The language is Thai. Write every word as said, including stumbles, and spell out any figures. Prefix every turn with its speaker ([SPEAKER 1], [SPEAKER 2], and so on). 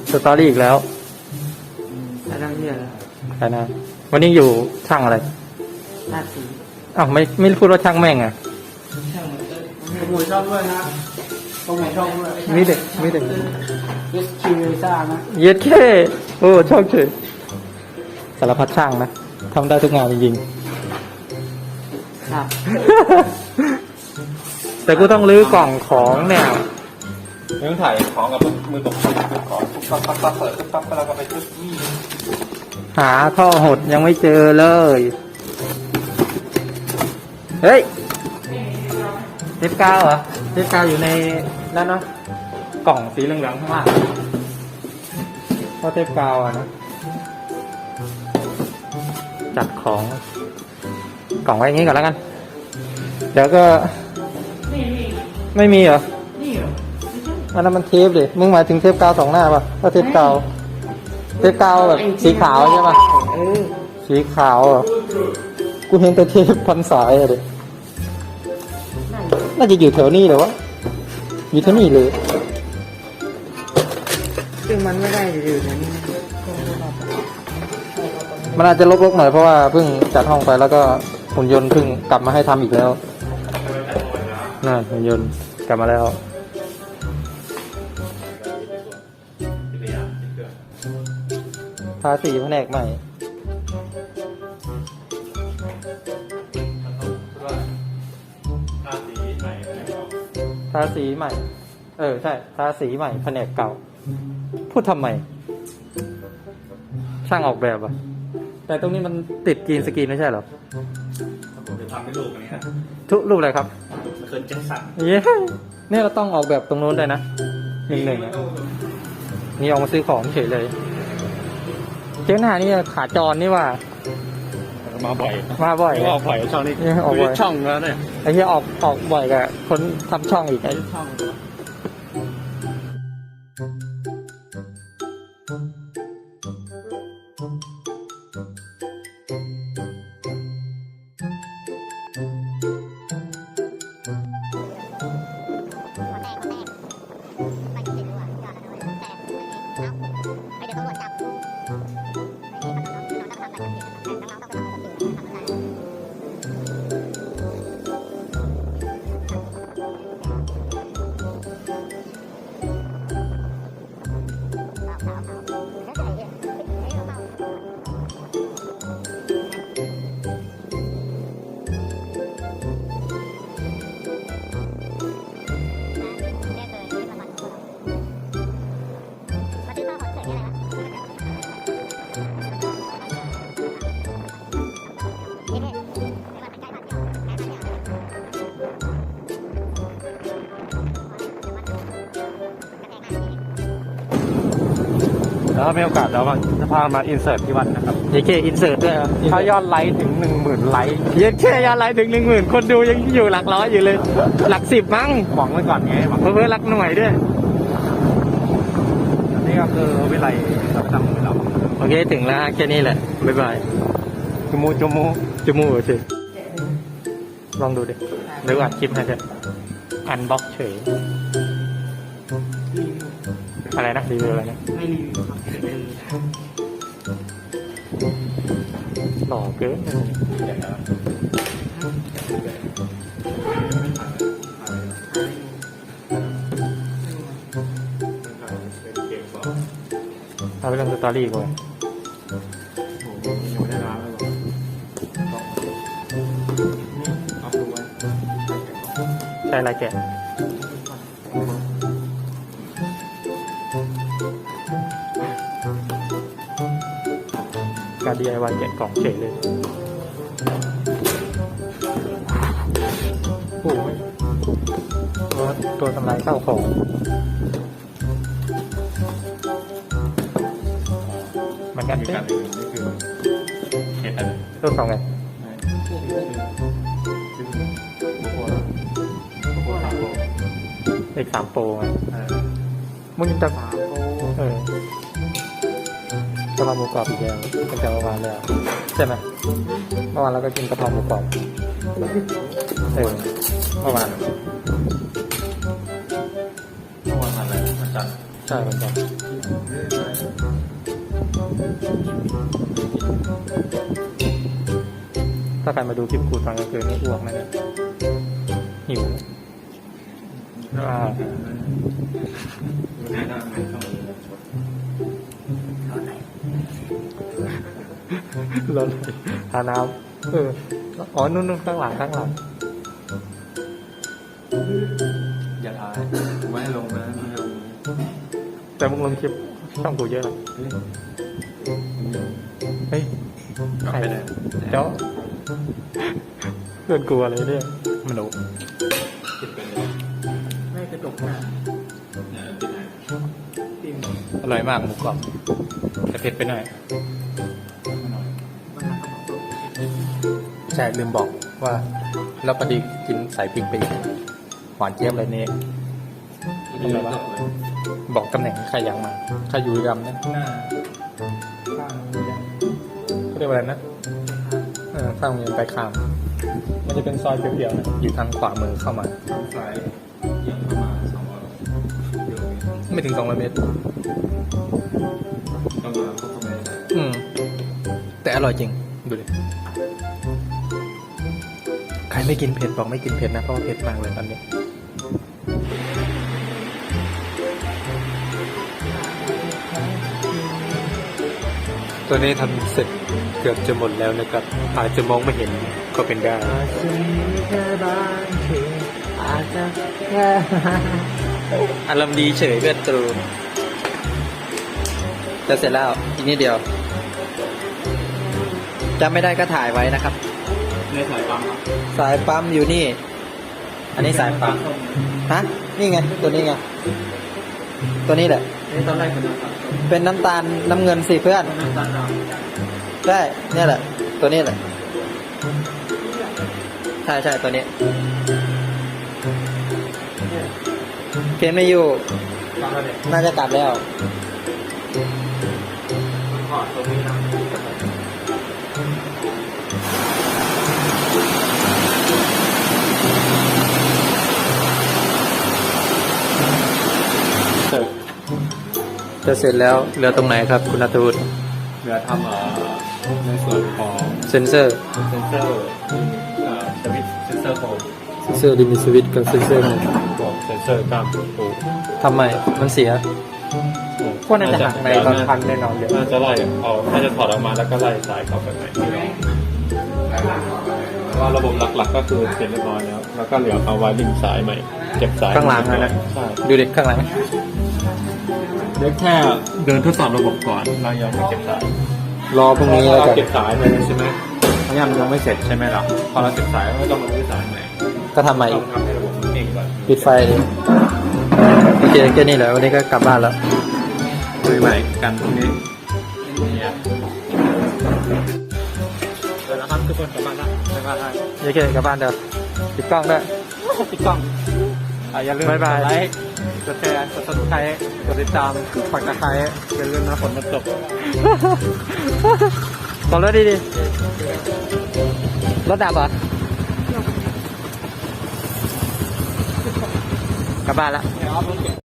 [SPEAKER 1] สตอรี่อีกแล้ว
[SPEAKER 2] ใช้น้ำเยอะแล้ว
[SPEAKER 1] ใช่นะวันนี้อยู่ช่างอะไร
[SPEAKER 2] หน้าสี
[SPEAKER 1] อ้าวไม่ไม่พูดว่าช่างแม่งอ่ะ
[SPEAKER 2] ช่างมันขโมยช่องด้วยนะตรงไหนช่องด้วย
[SPEAKER 1] มีเด็กมีเด็ก
[SPEAKER 2] เอสคิวเอซ่านะ
[SPEAKER 1] เย็ดแค่โอ้ชอบเฉยสารพัดช่างนะทำได้ทุกงานจริง
[SPEAKER 2] ครับ
[SPEAKER 1] ๆ แต่กูต้องรื้อกล่องของเนี่ย
[SPEAKER 3] เรื่องถ่ายของกับมือตกเป็นของปุ๊บปั๊บปั๊บปั๊บเปิดปุ๊บปั๊บแล้วก็ไปจุดนี่
[SPEAKER 1] หาท่อหดยังไม่เจอเลย เฮ้ยเทปกาวเหรอเทปกาวอยู่ในนั่นเนาะกล่องสีเหลืองๆข้างล่างเพราะเทปกาวอะนะจัดของกล่องไว้อย่างนี้ก่อนแล้วกัน เดี๋ยวก็ไม่มีเหรออันนั้นมันเทปดิมึงหมายถึงเทปกาวสองหน้าป่ะก็เทปกาวเทปกาวแบบสีขาวใช่ป่ะ
[SPEAKER 2] เออ
[SPEAKER 1] สีขาวอ่ะกูเห็นแต่เทปพันสายอะดิน่าจะอยู่แถวนี้เลยวะอยู่แถวนี้เลย
[SPEAKER 2] ซึ่งมันไม่ได้อยู่ในนี้
[SPEAKER 1] มันอาจจะรกๆหน่อยเพราะว่าเพิ่งจัดห้องไปแล้วก็หุ่นยนต์เพิ่งกลับมาให้ทำอีกแล้วน่าหุ่นยนต์กลับมาแล้วทาสีแผนกใหม่ทาสีใหม่เออใช่ทาสีใหม่แผนกเก่าพูดทำไมช่างออกแบบอะแต่ตรงนี้มันติดกรีนสกรีนไม่ใช่เหรอ
[SPEAKER 3] ผมจะทำเป็นรูปอันนี้นะ
[SPEAKER 1] ทุกรูปอะไรครับ
[SPEAKER 3] เคิร์นแจ็คสัน
[SPEAKER 1] เย้เนี่ยเราต้องออกแบบตรงนู้นด้วยนะหนึ่งหนึ่งอะนี่ออกมาซื้อของเฉยเลยเจ้าหน้านี่ขาจรนี่ว่า
[SPEAKER 3] มาบ่อย
[SPEAKER 1] มาบ่อย
[SPEAKER 3] ออกบ่อยช่องนี้
[SPEAKER 1] ออกบ่อย
[SPEAKER 3] ช่องแล้วเนี่ย
[SPEAKER 1] ไอ้ที่ออกออกบ่อยกับคนทำช่องอีกไอ้
[SPEAKER 2] ช่อง
[SPEAKER 3] แล้วมีโอกาสเราจะพามาอินเสิร์ตที่วัดนะครับ
[SPEAKER 1] เยเคอินเสิร์ตด้วยครับ
[SPEAKER 3] ถ้ายอดไลค์ถึงหนึ่งหมื่นไลค์
[SPEAKER 1] เยเคยอดไลค์ถึงหนึ่งหมื่นคนดูยังอยู่หลักร้อยอยู่เลย หลักสิบมั้ง
[SPEAKER 3] หวังไว้ก่อนไงหวัง
[SPEAKER 1] เพิ่มหลักหน่วยด้วย
[SPEAKER 3] นี่ก็คือวิไลเราทำของเรา
[SPEAKER 1] โอเคถึงแล้วแค่นี้แหละบ๊ายบาย
[SPEAKER 3] จมูกจมูก
[SPEAKER 1] จมูกสิลองดูดิเดี๋ยวอัดคลิปให้เถอะอันบ็อกเฉยอะไรนะรีวิวอะไรนะ
[SPEAKER 2] ไม่รีวิวครับเออ
[SPEAKER 1] หล่อเกินเอาไปลงสตอรี่ก่อนใช่ไรแกะการ ดี ไอ วาย แกะกล่องเฉยเลยโอ้ยตัวตัวทำลายข้าวของมันกัน
[SPEAKER 3] มี
[SPEAKER 1] เต้
[SPEAKER 3] การอื่นนี่คือเห็ดอะไร
[SPEAKER 1] ตัวสองไงเอกสามโปรไงมึงจะเออจะมาหมูกรอบอีกแล้วตั้งแต่เมื่อวานแล้วใช่ไหมเมื่อวานเราก็กินกะเพราหมูกรอบเออเมื่อวาน
[SPEAKER 3] เมื่อวานอะไรวันจันทร์
[SPEAKER 1] ใช่เหมือนกันถ้าใครมาดูคลิปกูตอนกลางคืนนี่อ้วกนะเนี่ยหิวอ่าร้อนเลยทาน้ำเอออ๋อนู่นนู่นข้างหลังข้างหลัง
[SPEAKER 3] อย่าถ่ายไม่ให้ลงนะไม่ให้ลง
[SPEAKER 1] แต่มึงลงคลิปช่องกูเยอะนะเฮ้ยใครเจ้าเพื่อนกูอะไรเนี่ยมันโอ้
[SPEAKER 3] ติดไปเลย
[SPEAKER 2] ไม่กระจกหน้า
[SPEAKER 3] ติดไหน
[SPEAKER 1] อร่อยมากหมูกรอบแต่เผ็ดไปหน่อยใช่ลืมบอกว่าแล้วพอดีกินใส่พริกไปอีกหวานเจี๊ยบเลยเนี่ย
[SPEAKER 3] ทำไมวะ
[SPEAKER 1] บอกตำแหน่งใครยังมาใครอยู่ดำนะ
[SPEAKER 3] หน้า
[SPEAKER 1] ข้างเขาเรียกว่าอะไรนะเออข้างเมืองไปข้ามมันจะเป็นซอยเปรี้ยวๆนะอยู่ทางขวามือเข้ามา
[SPEAKER 3] สายยังประมาณสองร้อยกิโลเมตร
[SPEAKER 1] ไม่ถึงสองร้อยเมตร
[SPEAKER 3] ต้องมาพวกทำไม
[SPEAKER 1] อืมแต่อร่อยจริงดูดิใครไม่กินเผ็ดบอกไม่กินเผ็ดนะเพราะว่าเผ็ดมากเลยตอนนี้ตัวนี้ทำเสร็จเกือบจะหมดแล้วนะครับอาจจะมองไม่เห็นก็เป็นได้
[SPEAKER 2] อาจจะมีแค่บางทีอาจจะแค่
[SPEAKER 1] อารมณ์ดีเฉยเพื่อนตรูจะเสร็จแล้วอีกนิดเดียวจำไม่ได้ก็ถ่ายไว้นะครับ
[SPEAKER 3] ในสายปั๊มครับ
[SPEAKER 1] สายปั๊มอยู่นี่ อันนี้สายปั๊มฮะนี่ไงตัวนี้ไงตัวนี้แหละ
[SPEAKER 2] นี่ตอนแรกเป็นน้ำตาล
[SPEAKER 1] เป็นน้ำตาลน้ำเงินสิเพื่อน
[SPEAKER 2] น้ำตาลด
[SPEAKER 1] ใช่เนี่ยแหละ ตัวนี้แหละใช่ใช่ตัวนี้เพียนไม่อยู่
[SPEAKER 2] ำตอนแรกเนี่ย
[SPEAKER 1] น่าจะกลับแล้ว
[SPEAKER 2] ถอดตรงนี้นะ
[SPEAKER 1] จะเสร็จแล้วเหลือตรงไหนครับคุณนัทวุฒิ
[SPEAKER 3] เหลือทำเอ่อในส่วนของ
[SPEAKER 1] เซนเซอร์
[SPEAKER 3] เซนเซอร์เอ่อสวิตช์เซนเซอร์โฮม
[SPEAKER 1] เซนเซอร์ดิมิสวิตกับเซนเซอร์
[SPEAKER 3] บอกเซนเซอร์กล้ามปู
[SPEAKER 1] ทำไมมันเสีย พวกนั้นจะหักในตอนพันแน่นอนเลย
[SPEAKER 3] น่าจะไล่เอาน่าจะถอดออกมาแล้วก็ไล่สายเข้าไปใหม่เพราะว่าระบบหลักๆก็คือเสร็จเรียบร้อยแล้วแล้วก็เหลือเอาไวริ่งสายใหม่เก็บสาย
[SPEAKER 1] ข้างหลังนะนะ
[SPEAKER 3] ใช่
[SPEAKER 1] ดูเด็กข้างหลัง
[SPEAKER 3] เดี๋ยวแค่เดินทดสอบระบบก่อนเรายังไม่เก็บสาย
[SPEAKER 1] รอพรุ่งนี้แล้ว
[SPEAKER 3] เรา
[SPEAKER 1] กัน
[SPEAKER 3] เก็บสายเลยใช่ไหมเพราะยังยังไม่เสร็จใช่ไหมล่ะพอเราเก็บสายก็ต้องมาซื้อสายใหม่
[SPEAKER 1] ก็ทำใหม่
[SPEAKER 3] ต้
[SPEAKER 1] อี
[SPEAKER 3] อก งทำให้ระบบมันเองก่อน
[SPEAKER 1] ปิดไฟดิโอเคแค่นี้แหละวันนี้ก็กลับบ้านแล้ว
[SPEAKER 3] ซื้อใหม่กันตรงนี้เนี่ย
[SPEAKER 2] เดี๋ยวนะครับทุกคนกลับบ้านละบ๊ายบาย
[SPEAKER 1] โอเคกลับบ้านเดี๋ยวปิดกล้องด้วย
[SPEAKER 2] ปิดกล้องอ่ะอย่าลืม
[SPEAKER 1] บ๊ายบาย
[SPEAKER 2] กดไลค์กดแชร์กดซับสไครต์กดติดตามฝักตะไคร้อย่าลืมนะฝนมันตก
[SPEAKER 1] บอกรถดีดีรถดับเหรอ กลับบ้านละ
[SPEAKER 2] เดี๋ยวเอารถเก็บ